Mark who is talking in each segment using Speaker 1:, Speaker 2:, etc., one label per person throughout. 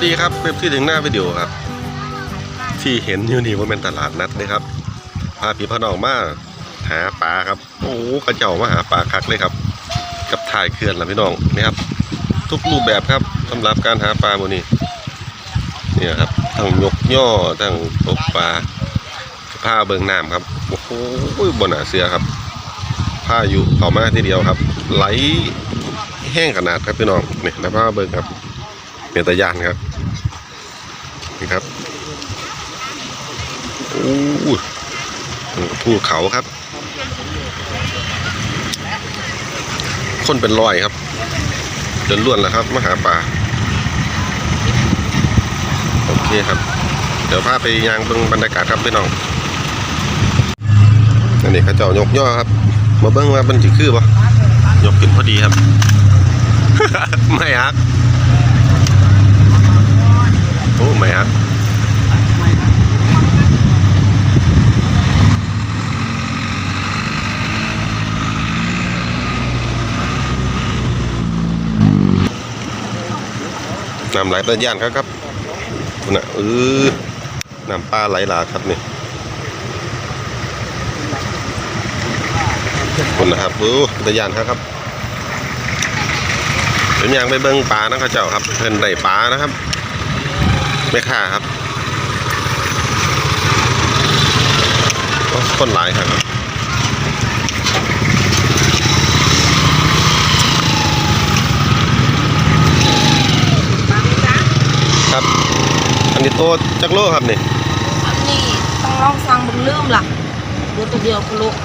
Speaker 1: ดีครับเว็บที่ถึงหน้าวิดีโอครับที่เห็นอยู่นี่ว่าเป็นตลาดนัดนะครับพาพี่พ่อน้องมาหาปลาครับโอ้กระเจ้ามาหาปลาคักเลยครับกับถ่ายเขื่อนล่ะพี่น้องนี่ครับทุกรูปแบบครับสำหรับการหาปลาโมนี่เนี่ยครับทั้งยกย่อทั้งตกปลาผ้าเบิงน้ำครับโอ้โหบนหนาเสือครับผ้าอยู่ต่อมาทีเดียวครับไหลแห้งขนาดครับพี่น้องนี่นะผ้าเบิงครับเป็นตะยานครับนี่ครับโอ้ภูเขาครับคนเป็นร้อยครับจนล้วนแล้วครับมาหาปลาโอเคครับเดี๋ยวพาไปยางเบิ้งบรรยากาศครับพี่น้องอันนี้เขาเจ้ายกย่อครับมาเบิ้งว่ามันจะคือปะยกกินพอดีครับ ไม่ฮักโอ้ไม่ฮักน้ำไหลตะย่านครับคุณน่ะน้ำปลาไหลหลากครับนี่คุณนะครับตะย่านครับเป็นอย่างไปเบิ้งปลานะเขาเจ้าครับเพิ่นได้ปลานะครับไม่ค่าครับคนหลายครับครับอันนี้โตจักโลครับนี่
Speaker 2: อันนี้ต้องลองสั่งบึงลืมล่ะดูตัวเดียวคุณลูก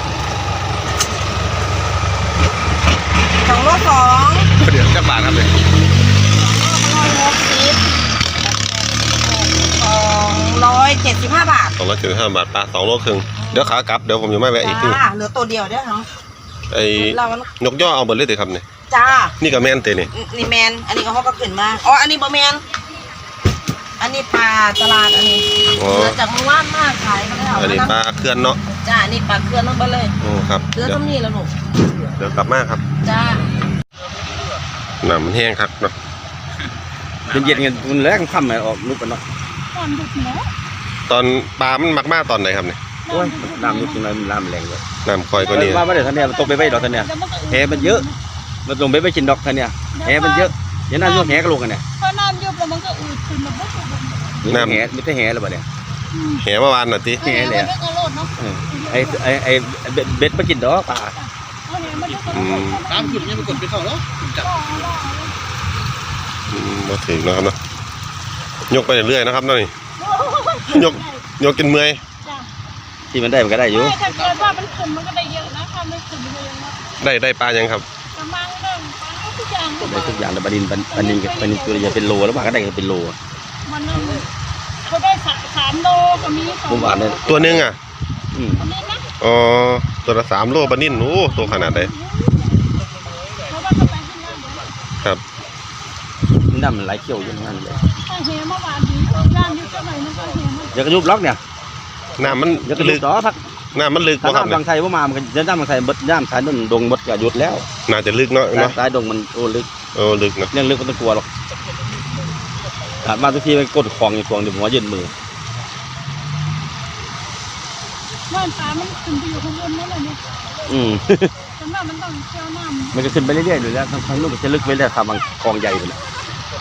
Speaker 2: 2 โล 2
Speaker 1: เดี๋ยวจักบาทครับเลย
Speaker 2: 275 บาท
Speaker 1: 275 บาทปลา2 โลครึ่งเดี๋ยวขากลับเดี๋ยวผมจะไม่แวะอีกที
Speaker 2: เหลือตัวเดียวเด้อครับ
Speaker 1: ไอ้นกย่อเอาเบิดเลยเถอะครับนี่
Speaker 2: จ้า
Speaker 1: นี่ก็แมนเตนี่
Speaker 2: นี่แมนอันนี้เขาก็ขึ้นมาอ๋ออันนี้บ่แมนอันนี้ปลาตลาดอันนี้เหลือจากเมื่อวานมากขายมาแล้ว
Speaker 1: อันนี้ปลาเคลื่อนเนาะ
Speaker 2: จ้านี่ปลาเคลื่อนลงไปเลย
Speaker 1: โอ้ครับ
Speaker 2: เหลือตรงนี้แล้วหนู
Speaker 1: เดี๋ยวกลับมาครับ
Speaker 2: จ้า
Speaker 1: น้ำมันแห้งครับเนาะ
Speaker 3: เย็นๆกันมันแรงค่ำไหมออกลุกกันเนาะ
Speaker 1: ตอนปลามันมากตอนไหนครับเนี่ย
Speaker 3: โอ้ยน้ำลุกตรงไหนมันน้ำแรงเลย
Speaker 1: น้ำคอยก็นี่
Speaker 3: มาเดี๋ยวท่านเนี่ยตกไปไว้ดอกท่านเนี่ยแหมันเยอะมันลงไปไว้กินดอกท่านเนี่ยแหมันเยอะอย่าน้ำยุบแหก็ลงกันเนี่ย
Speaker 4: พอน้ำยุบแล้วมันก็อืดขึ้นมาปุ๊บ
Speaker 3: น้ำแหไม่ใช่แหหรือเปล่าเนี่ย
Speaker 1: แหเมื่อวานน่ะที
Speaker 3: แหเลยไอ้เบ็ดมากินดอกปลา
Speaker 4: น้ำขึ้นยังไม่กดไปเข้าแล้วจับ
Speaker 1: มาถึงนะครับเนาะยกไปเรื่อยนะครับนี่ยกกินเมื่อย
Speaker 3: ที่มันได้มันก็ได้อยู่
Speaker 4: ถ้าเกิดว่ามันขึ้นมันก็ได้เยอะนะถ้าไม่ขึ้นมันก็ยัง
Speaker 1: ได้ปลายังครับ
Speaker 4: ประมาณนั้นปลาทุกอย่าง
Speaker 3: ได้ทุกอย่างแต่ปลานินตัวใหญ่เป็นโลแล้วปลาก็ได้เป็นโล
Speaker 4: มันเขาได้3 โลก็มี
Speaker 3: ผมอ่านเลย
Speaker 1: ตัวนึงอ่ะอ๋อตัวละ3 โลปลานิ่นโอ้ตัวขนาดไหนครับ
Speaker 3: น้ำมันไหลเขี้ยวอย่างนั้นเลย
Speaker 4: เฮมาหวานดีย่างยุบเท่าไหร่มันก็เฮมา
Speaker 3: อย่ากระยุบล็อกเนี่ย
Speaker 1: น้ำมัน
Speaker 3: ลึกต่อพัก
Speaker 1: น้ำมันลึก
Speaker 3: ถ้าน้ำบางไทยว่ามามันจะน้ำบางไทยบดน้ำสายนั่นดงบดก็หยุดแล้ว
Speaker 1: น่าจะลึกเนาะ
Speaker 3: สายดงมันลึก
Speaker 1: ลึกนะ
Speaker 3: เรื่องลึกมันต้องกลัวหรอกขาดมาทุกทีไปกดคลองอยู่คลองเดี๋ยวหัวยืนมือ
Speaker 4: ว่านปลามันขึ้นไปอยู่ข้างบนนั่นแหละเนี่ยแต่ว่ามันต้องเชี่ยวน้ำ
Speaker 3: มันจะขึ้นไปเรื่อยๆอยู่แล้วทางนู้นจะลึกไปเรื่อยทางบางคลองใหญ่ไปแล้ว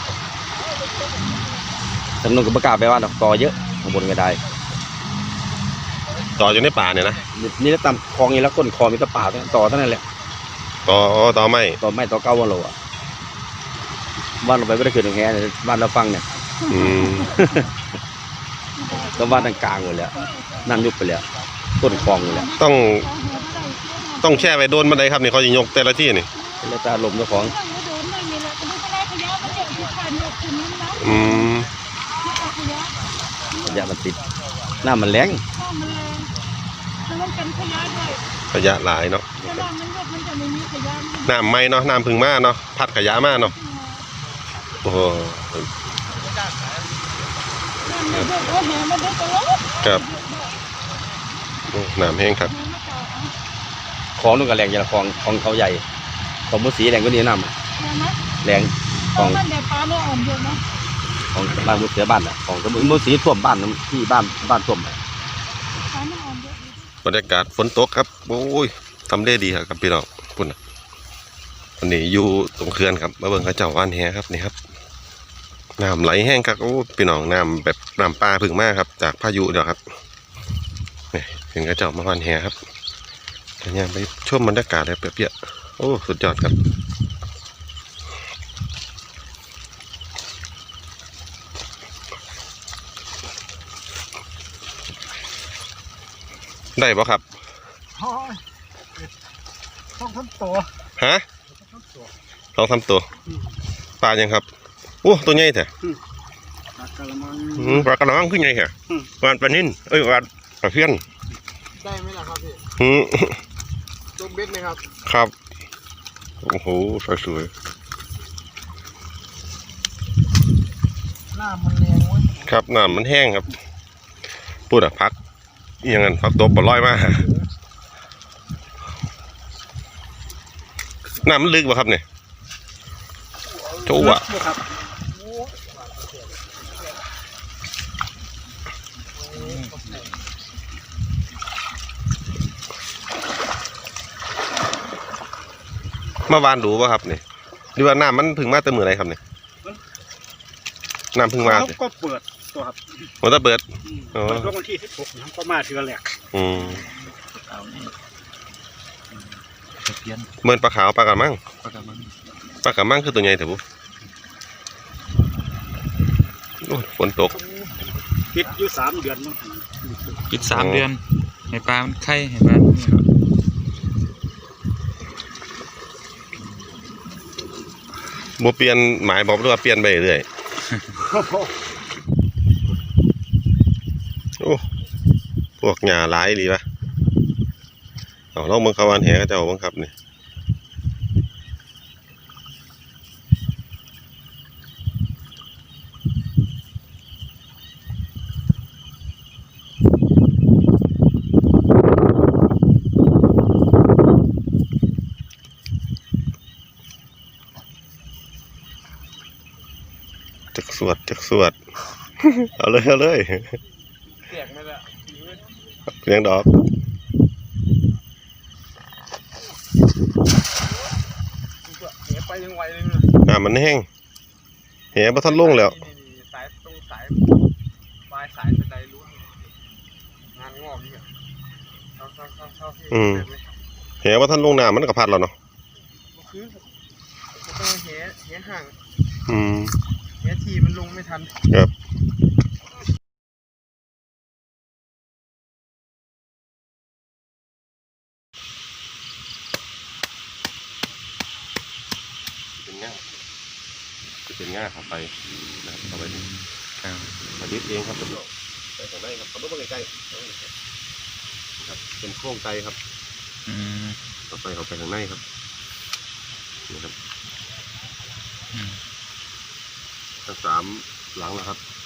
Speaker 3: ทางนู้นก็ประกาศไปว่าต่อเยอะข้างบนไม่ได้
Speaker 1: ต่ออยู่ในป่าเนี่ยนะ
Speaker 3: นี่แล้วตามคลองนี้แล้วก้นคลองมีแต่ป่าต่อเท่านั้นแหละ
Speaker 1: ต่อไม่
Speaker 3: ต่อ9 วันโลอ่ะบ้านเราไปไม่ได้ขึ้นตรงแง่บ้านเราฟังเนี่ยก็บ้านทางกลางหมดแล้วน้ำยุบไปแล้วก้นคลองอยู่แล้ว
Speaker 1: ต้องแช่ไปโดนบันไดครับนี่เขาจะยกแต่ละที่นี่
Speaker 3: แล้วตาลมเจ้าของขยะมันติดน้ำมันแรง
Speaker 1: ขยะหลายเนาะน้ำไม่เนาะน้ำพึ่งมาเนาะพัดขยะมาเนาะโอ้โหครับน้ำแห้งครับ
Speaker 3: คลองนู่นก็แรงอย่างคลองเขาใหญ่ของมุสีแรงก็นี่น้ำแรงคลองของบ้านมุดเสียบ้านอ่ะของตำบลมุดสีท่วมบ้านที่บ้านท่วม
Speaker 4: ปลามันอ่อนเยอะอยู่
Speaker 1: บรรยากาศฝนตกครับโอ้ยทำได้ดีครับพี่น้องพุ่นน่ะวันนี้อยู่ตรงเขื่อนครับมาเบิ่งเขาเจ้าว่านแหครับนี่ครับน้ำไหลแห้งครับโอ้พี่น้องน้ำแบบน้ำปลาพึ่งมากครับจากพายุเดี๋ยวครับนี่เห็นเขาเจ้ามาว่านแหครับยังไปชมบรรยากาศเลยเปรี้ยๆโอ้สุดยอดครับได้ปะครับ
Speaker 5: ต้องทำตัว
Speaker 1: ฮะลองทำตัวปลายังครับโอ้ตัวใหญ่แท้
Speaker 5: ปลากระมัง
Speaker 1: ปลากระมังขึ้นใหญ่แท้วานปลานิ่นเอ้ยวานปลาเพี้ยน
Speaker 5: ได้ไหมล่ะครับพี่
Speaker 1: อืม
Speaker 5: ตัวเบ็ดไหมครับ
Speaker 1: ครับโอ้โหสวย
Speaker 5: หน้ามันแรงเว้ย
Speaker 1: ๆครับน้ำมันแห้งครับพูดอะพักอหยังงั้นพักตบบ่ลอยมากน้ำมันลึกป่ะครับเนี่ยโจ้อะ
Speaker 5: ครับ
Speaker 1: มาวานดูป่ะครับเนี่ยหรือว่าน้ำมันพึ่งมาแต่มือไรครับเนี่ยน้ำพึ่งมา
Speaker 5: เขา
Speaker 1: เนี่ย
Speaker 5: ก็เปิดตัวครับ
Speaker 1: มันจะเปิด อ๋อ
Speaker 5: เปิดช่วงวันที่16นะครับก็มาเทือแหลก
Speaker 1: อืมเหมือนปลาขาวปลากระมังปลากระมังคือตัวใหญ่แต่ปุ๊บโอ้ยฝนตก
Speaker 5: ปิดอยู่3 เดือนมั้ง
Speaker 6: ปิด3 เดือนให้ปลามันไข่ให้ปลานี่ครับ
Speaker 1: บ่เปลี่ยนหมายบอกด้วยว่าเปลี่ยนไปเรื่อยโอ้พวกหญ้าหลายดีปะเอาลองมึงเขาวานแหก็จะเอาบังครับนี่จักสวด เอาเลยเอาเลย
Speaker 5: เสียงไม่ละ
Speaker 1: เลี้ยงดอก
Speaker 5: เสียไปยังไวเลยนะ
Speaker 1: มันแห้งแหบ่ทันลงแล้ว
Speaker 5: สายตรงสายปลายสายเป็นไรรู้งานงอกนี่เข้าที่
Speaker 1: แหบ่ทันลงน้ำมันก็พัดแล้วเนาะ
Speaker 5: คือต้องแหห่าง
Speaker 1: อืม
Speaker 5: แหทีมันลงไม่ทัน
Speaker 1: ครับเป็นง่าครับไปนะครับเข้าไปนี่มายึดเองครับผมไปข้างในครับขับรถมาใกล้ๆครับเป็นโครงไกลครับ
Speaker 6: อืม
Speaker 1: ต่อไปเข้าไปข้างในครับนี่ครับทั้ง3 หลังนะครับ